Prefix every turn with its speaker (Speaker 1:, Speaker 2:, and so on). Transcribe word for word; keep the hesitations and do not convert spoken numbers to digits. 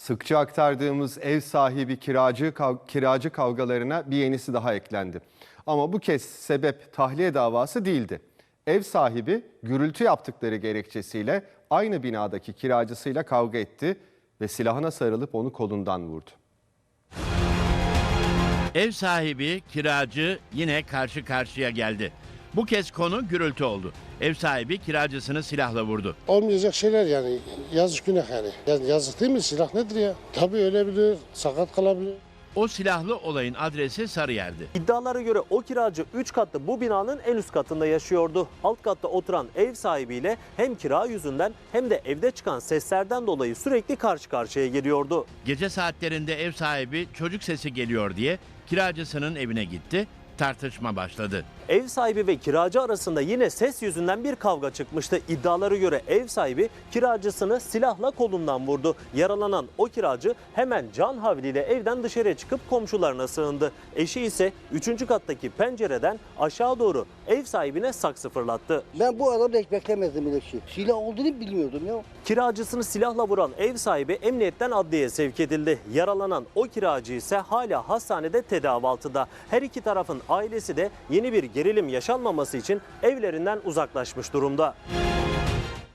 Speaker 1: Sıkça aktardığımız ev sahibi kiracı kav- kiracı kavgalarına bir yenisi daha eklendi. Ama bu kez sebep tahliye davası değildi. Ev sahibi gürültü yaptıkları gerekçesiyle aynı binadaki kiracısıyla kavga etti ve silahına sarılıp onu kolundan vurdu.
Speaker 2: Ev sahibi, kiracı yine karşı karşıya geldi. Bu kez konu gürültü oldu. Ev sahibi kiracısını silahla vurdu.
Speaker 3: Olmayacak şeyler yani. Yazık günah yani. Ya- Yazık değil mi? Silah nedir ya? Tabii ölebilir, sakat kalabilir.
Speaker 2: O silahlı olayın adresi Sarıyer'di.
Speaker 4: İddialara göre o kiracı üç katlı bu binanın en üst katında yaşıyordu. Alt katta oturan ev sahibiyle hem kira yüzünden hem de evde çıkan seslerden dolayı sürekli karşı karşıya geliyordu.
Speaker 2: Gece saatlerinde ev sahibi çocuk sesi geliyor diye kiracısının evine gitti. Tartışma başladı.
Speaker 4: Ev sahibi ve kiracı arasında yine ses yüzünden bir kavga çıkmıştı. İddialara göre ev sahibi kiracısını silahla kolundan vurdu. Yaralanan o kiracı hemen can havliyle evden dışarıya çıkıp komşularına sığındı. Eşi ise üçüncü kattaki pencereden aşağı doğru ev sahibine saksı fırlattı.
Speaker 5: Ben bu adamda hiç beklemezdim böyle şey. Silah olduğunu bilmiyordum ya.
Speaker 4: Kiracısını silahla vuran ev sahibi emniyetten adliyeye sevk edildi. Yaralanan o kiracı ise hala hastanede tedavi altında. Her iki tarafın ailesi de yeni bir gerilim yaşanmaması için evlerinden uzaklaşmış durumda.